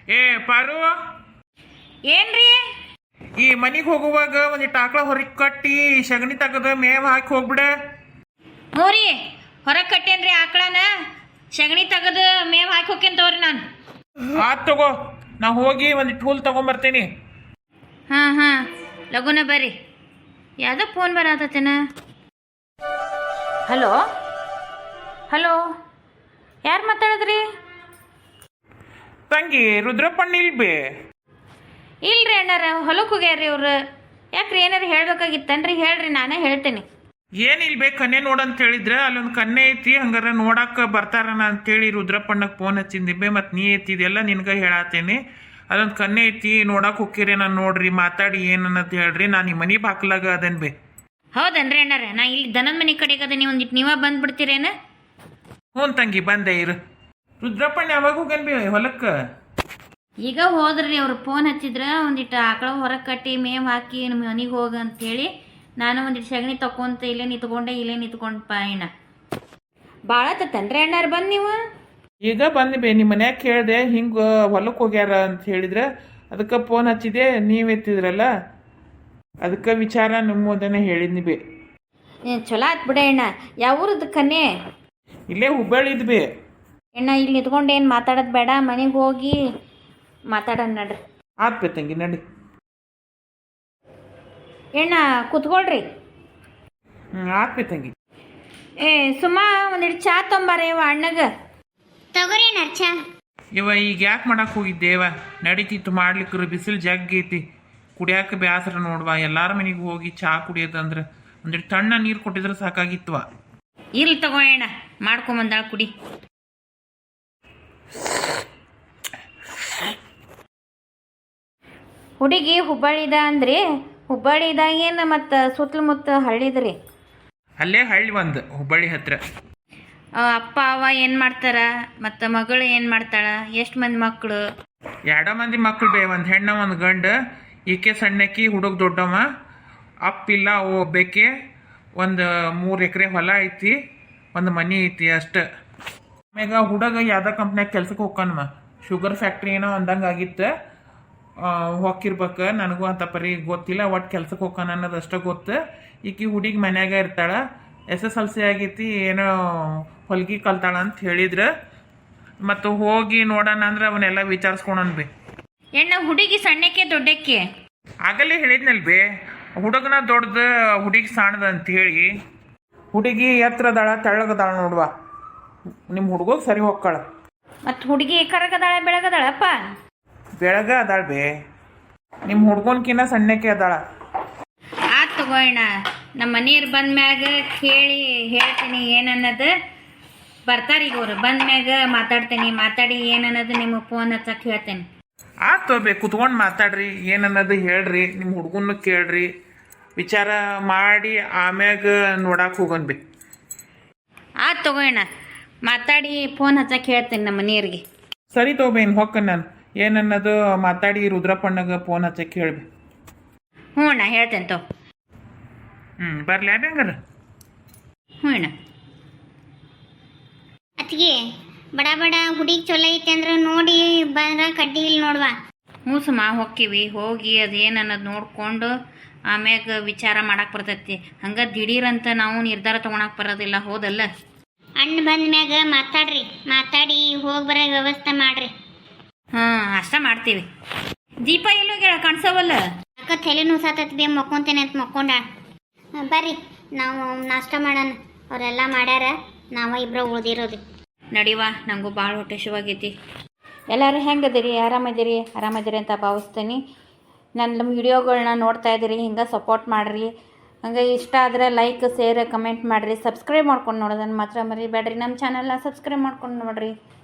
ಏ ಪಾರು, ಏನ್ರಿ? ಈ ಮನಿಗೆ ಹೋಗುವಾಗ ಒಂದಿಟ್ಟು ಆಕಳ ಹೊರಗೆ ಕಟ್ಟಿ ಸಗಣಿ ತೆಗೆದು ಮೇವ್ ಹಾಕಿ ಹೋಗ್ಬಿಡ. ಮೂರಿ ಹೊರಗೆ ಕಟ್ಟೇನ್ರಿ ಆಕಳನ, ಸಗಣಿ ತೆಗೆದು ಮೇವ್ ಹಾಕಿ ಹೋಗ್ತೇನೆ ತಗೋರಿ ನಾನು. ಆತ್ ತಗೋ, ನಾ ಹೋಗಿ ಒಂದಿಟ್ಟು ಹುಲ್ ತಗೊಂಬರ್ತೀನಿ. ಹಾಂ ಲಗುನ ಬರ್ರಿ. ಯಾವುದೋ ಫೋನ್ ಬರತ್ತೇನ. ಹಲೋ ಹಲೋ, ಯಾರು ಮಾತಾಡಿದ್ರಿ? ತಂಗಿ ರುದ್ರಪ್ಪಣ್ಣ ಇಲ್ಬೇ? ಇಲ್ರಿ ಅಣ್ಣಾರ, ಹೊಲಕ್ಕೆ ಹೋಗ್ಯಾರ್ರಿ ಅವ್ರು. ಯಾಕ್ರಿ, ಏನಾರು ಹೇಳ್ಬೇಕಾಗಿತ್ತನ್ರಿ? ಹೇಳ್ರಿ, ನಾನೇ ಹೇಳ್ತೇನೆ. ಏನಿಲ್ಬೇ, ಕನ್ನೆ ನೋಡಂತ ಹೇಳಿದ್ರೆ ಅಲ್ಲೊಂದು ಕನ್ನೆ ಐತಿ, ಹಂಗಾರ ನೋಡಕ್ಕೆ ಬರ್ತಾರನ ಅಂತೇಳಿ ರುದ್ರಪ್ಪಣ್ಣಗೆ ಫೋನ್ ಹಚ್ಚಿದ್ದೆ. ಮತ್ತು ನೀ ಐತಿದೆಲ್ಲ ನಿನ್ಗೆ ಹೇಳತ್ತೇನೆ. ಅದೊಂದು ಕನ್ನೆ ಐತಿ, ನೋಡಕ್ಕೆ ಹೋಗ್ತೀರಿ, ನಾನು ನೋಡ್ರಿ ಮಾತಾಡಿ ಏನನ್ನದು ಹೇಳ್ರಿ. ನಾನು ಈ ಮನೆ ಬಾಕ್ಲಾಗ ಅದೇನು ಬೇ. ಹೌದನ್ರಿ ಅಣ್ಣಾರ, ನಾ ಇಲ್ಲಿ ದನದ ಮನೆ ಕಡೆಗೆ ಅದ, ನೀವು ಒಂದಿಟ್ಟು ನೀವ ಬಂದ್ಬಿಡ್ತೀರೇನ? ಹ್ಞೂ ತಂಗಿ, ಬಂದೆ ಇರು. ರುದ್ರಪ್ಪಣ್ಣ ಯಾವಾಗ ಹೋಗ್ಯಾನ ಬೇ ಹೊಲಕ್ಕೆ? ಈಗ ಹೋದ್ರಿ, ಅವ್ರು ಫೋನ್ ಹಚ್ಚಿದ್ರ ಒಂದಿಟ್ಟು ಆಕಳ ಹೊರಗೆ ಕಟ್ಟಿ ಮೇವ್ ಹಾಕಿ ನಿಮ್ಮ ಮನೆಗೆ ಹೋಗ ಅಂತೇಳಿ. ನಾನು ಒಂದಿಟ್ಟು ಸಗಣಿ ತಕೊಂತ ಇಲ್ಲೇ ನಿಂತ್ಕೊಂಡಪ್ಪ ಅಣ್ಣ. ಭಾಳ ತತ್ತನ್ರಿ ಅಣ್ಣಾರ ಬಂದು ನೀವು? ಈಗ ಬಂದು ಬೇ, ನಿಮ್ಮ ಮನ್ಯಾಗ ಕೇಳಿದೆ ಹಿಂಗೆ ಹೊಲಕ್ಕೆ ಹೋಗ್ಯಾರ ಅಂತ ಹೇಳಿದ್ರೆ ಅದಕ್ಕೆ ಫೋನ್ ಹಚ್ಚಿದೆ, ನೀವು ಎತ್ತಿದ್ರಲ್ಲ ಅದಕ್ಕೆ ವಿಚಾರ ನಿಮ್ಮದನ್ನೇ ಹೇಳಿದ್ನಿ ಬೇ. ಚಲೋ ಆತ್ ಬಿಡ ಅಣ್ಣ. ಯಾವ ಊರದ್ದು ಕನ್ಯೆ? ಇಲ್ಲೇ ಹುಬ್ಬಳ್ಳಿದ್ ಬೇ. ಅಣ್ಣ ಇಲ್ಲಿ ನಿಂತ್ಕೊಂಡು ಏನು ಮಾತಾಡೋದು ಬೇಡ, ಮನೆಗೆ ಹೋಗಿ ಮಾತಾಡೋಣ ನಡ್ರಿ. ಆತ್ ಬೇ ತಂಗಿ, ನಡಿ. ಅಣ್ಣ ಕೂತ್ಕೊಳ್ರಿ. ಆತ್ ಬೇ ತಂಗಿ. ಏ ಸುಮಾ, ಒಂದಿಟ್ಟು ಚಾ ತೊಂಬಾರ ಇವ ಅಣ್ಣಗ. ತಗೋರಿ ನರ್ಚ. ಇವ ಈಗ ಯಾಕೆ ಮಾಡಕ್ಕೆ ಹೋಗಿದ್ದೇವ? ನಡೀತಿತ್ತು ಮಾಡ್ಲಿಕ್ಕೆ, ಬಿಸಿಲು ಜಗ್ಗಿ ಐತಿ, ಕುಡಿಯಾಕ ಬ್ಯಾಸರ ನೋಡ್ವಾ. ಎಲ್ಲಾರ ಮನೆಗೆ ಹೋಗಿ ಚಾ ಕುಡಿಯೋದಂದ್ರೆ ಒಂದಿಟ್ಟು ತಣ್ಣ ನೀರು ಕೊಟ್ಟಿದ್ರೆ ಸಾಕಾಗಿತ್ವ. ಇರ್ಲಿ ತಗೋ ಅಣ್ಣ, ಮಾಡ್ಕೊಂಬಂದಾಳ ಕುಡಿ. ಹುಡುಗಿ ಹುಬ್ಬಳ್ಳಿದ ಅಂದ್ರಿ? ಹುಬ್ಬಳ್ಳಿದಾಗೇನು ಮತ್ತು ಸುತ್ತಮುತ್ತ ಹಳ್ಳಿದ್ರಿ? ಅಲ್ಲೇ ಹಳ್ಳಿ ಒಂದು, ಹುಬ್ಬಳ್ಳಿ ಹತ್ರ. ಅಪ್ಪ ಅವ ಏನು ಮಾಡ್ತಾರ, ಮತ್ತು ಮಗಳು ಏನು ಮಾಡ್ತಾಳ? ಎಷ್ಟು ಮಂದಿ ಮಕ್ಕಳು? 2 ಮಂದಿ ಮಕ್ಕಳು ಬೇ, ಒಂದು ಹೆಣ್ಣು ಒಂದು ಗಂಡು. ಈಕೆ ಸಣ್ಣಕ್ಕಿ, ಹುಡುಗ ದೊಡ್ಡವ. ಅಪ್ಪಿಲ್ಲ, ಅವು ಒಬ್ಬೇಕೆ. ಒಂದು 3 ಎಕರೆ ಹೊಲ ಐತಿ, ಒಂದು ಮನೆ ಐತಿ ಅಷ್ಟು. ಆಮ್ಯಾಗ ಹುಡುಗ ಯಾವ್ದೋ ಕಂಪ್ನ್ಯಾಗ ಕೆಲ್ಸಕ್ಕೆ ಹೋಗ್ಕನ್ಮ, ಶುಗರ್ ಫ್ಯಾಕ್ಟ್ರಿ ಏನೋ ಅಂದಂಗೆ ಆಗಿತ್ತು. ಹೋಗಿರ್ಬೇಕು, ನನಗೂ ಅಂತ ಪರಿ ಗೊತ್ತಿಲ್ಲ. ಒಟ್ಟು ಕೆಲ್ಸಕ್ಕೆ ಹೋಗ್ಕನ ಅನ್ನೋದು ಅಷ್ಟೇ ಗೊತ್ತು. ಈಕಿ ಹುಡುಗಿ ಮನ್ಯಾಗ ಇರ್ತಾಳ, SSLC ಆಗೈತಿ, ಏನೋ ಹೊಲ್ಗಿ ಕಲ್ತಾಳ ಅಂತ ಹೇಳಿದ್ರು. ಮತ್ತು ಹೋಗಿ ನೋಡೋಣ ಅಂದ್ರೆ ಅವನ್ನೆಲ್ಲ ವಿಚಾರಿಸ್ಕೊಳನ್ ಬೇ. ಹೆಣ್ಣ ಹುಡುಗಿ ಸಣ್ಣಕ್ಕೆ ದೊಡ್ಡಕ್ಕೆ? ಆಗಲೇ ಹೇಳಿದ್ನಲ್ ಬೇ, ಹುಡುಗನ ದೊಡ್ಡದು, ಹುಡುಗಿ ಸಣ್ಣದ ಅಂತೇಳಿ. ಹುಡುಗಿ ಎತ್ತರದಾಳ, ತೆಳ್ಳಗದಾಳ ನೋಡುವ. ನಿಮ್ಮ ಹುಡುಗ ಸರಿ ಹೋಗ್ಕಳ. ಮತ್ತು ಹುಡುಗಿ ಕರಗದಾಳ ಬೆಳಗದಾಳಪ್ಪ? ಬೆಳಗ ಅದಾಳ ಬೇ, ನಿಮ್ಮ ಹುಡ್ಗನ್ಕಿನ್ನ ಸಣ್ಣಕ್ಕೆ ಅದಾಳ. ಆತ್ ತಗೋಣ, ನಮ್ಮ ಮನೆಯವ್ರು ಬಂದ ಮ್ಯಾಗ ಕೇಳಿ ಹೇಳ್ತೀನಿ ಏನನ್ನೋದು. ಬರ್ತಾರೆ ಈಗ ಅವ್ರು ಬಂದ ಮ್ಯಾಗ ಮಾತಾಡಿ ಏನನ್ನೋದು ನಿಮಗೆ ಫೋನ್ ಹಚ್ಚಕ್ಕೆ ಹೇಳ್ತೇನೆ. ಆತು ಬೇ, ಕುತ್ಕೊಂಡು ಮಾತಾಡ್ರಿ, ಏನನ್ನೋದು ಹೇಳ್ರಿ, ನಿಮ್ಮ ಹುಡ್ಗನ್ನು ಕೇಳ್ರಿ, ವಿಚಾರ ಮಾಡಿ ಆಮ್ಯಾಗ ನೋಡಕ್ಕೆ ಹೋಗೋಣ ಬೇ. ಆತ್ ತಗೋಣ, ಮಾತಾಡಿ ಫೋನ್ ಹಚ್ಚಕ್ಕೆ ಹೇಳ್ತೇನೆ ನಮ್ಮ ಮನೆಯವ್ರಿಗೆ. ಸರಿ ತಗೋಬೇನು ಹೊಕ್ಕ, ನಾನು ಏನನ್ನೋದು ಮಾತಾಡಿ ರುದ್ರಪ್ಪಣ್ಣಗೆ ಫೋನ್ ಹಚ್ಚಕ್ಕೆ ಹೇಳ್ಬಿ. ಹ್ಞೂ ಅಣ್ಣ, ಹೇಳ್ತೇನೆ ತಗೋ. ಬರ್ಲಿ ಹಂಗಾರ. ಹ್ಞೂ ಅಣ್ಣ. ಅತ್ತಿಗೆ ಬಡ ಬಡ ಹುಡುಗಿ ಚಲೋ ಐತೆ ಅಂದ್ರೆ ನೋಡಿ ಬಂದ್ರ ಕಡ್ಡಿ ಇಲ್ಲಿ ನೋಡ್ವಾ. ಹ್ಞೂ ಸುಮ್ಮ, ಹೋಕ್ಕಿವಿ. ಹೋಗಿ ಅದೇನು ಅನ್ನೋದು ನೋಡಿಕೊಂಡು ಆಮ್ಯಾಗ ವಿಚಾರ ಮಾಡಕ್ಕೆ ಬರ್ತೈತಿ. ಹಂಗೆ ದಿಢೀರಂತ ನಾವು ನಿರ್ಧಾರ ತೊಗೊಳಕ್ಕೆ ಬರೋದಿಲ್ಲ, ಹೋದಲ್ಲ? ಅಣ್ಣ ಬಂದ ಮ್ಯಾಗ ಮಾತಾಡಿ ಹೋಗಿ ಬರೋ ವ್ಯವಸ್ಥೆ ಮಾಡ್ರಿ. ಹಾಂ, ಅಷ್ಟ ಮಾಡ್ತೀವಿ. ದೀಪ ಎಲ್ಲೋಗ್ಯಾಳ, ಕಾಣಿಸವಲ್ಲ? ಅಕ್ಕ ತಲೆ ನುಸಾತತ್ ಬೇ, ಮಕ್ಕೊಂತೇನೆ ಅಂತ ಮಕ್ಕೊಂಡಾಳ. ಬರ್ರಿ ನಾವು ನಾಷ್ಟ ಮಾಡೋಣ, ಅವರೆಲ್ಲ ಮಾಡ್ಯಾರ, ನಾವು ಇಬ್ಬರು ಉಳ್ದಿರೋದು. ನಡಿವಾ, ನನಗೂ ಭಾಳ ಹೊಟ್ಟೆ ಶಿವಾಗೈತಿ. ಎಲ್ಲರೂ ಹೆಂಗದಿರಿ? ಆರಾಮದಿರಿ ಅಂತ ಭಾವಿಸ್ತೀನಿ. ನನ್ನ ವಿಡಿಯೋಗಳನ್ನ ನೋಡ್ತಾ ಇದ್ದೀರಿ, ಹಿಂಗೆ ಸಪೋರ್ಟ್ ಮಾಡಿರಿ. ಹಂಗೆ ಇಷ್ಟ ಆದರೆ ಲೈಕ್, ಶೇರ್, ಕಮೆಂಟ್ ಮಾಡಿರಿ. ಸಬ್ಸ್ಕ್ರೈಬ್ ಮಾಡ್ಕೊಂಡು ನೋಡೋದನ್ನು ಮಾತ್ರ ಮರಿಬೇಡ್ರಿ. ನಮ್ಮ ಚಾನಲ್ನ ಸಬ್ಸ್ಕ್ರೈಬ್ ಮಾಡ್ಕೊಂಡು ನೋಡಿರಿ.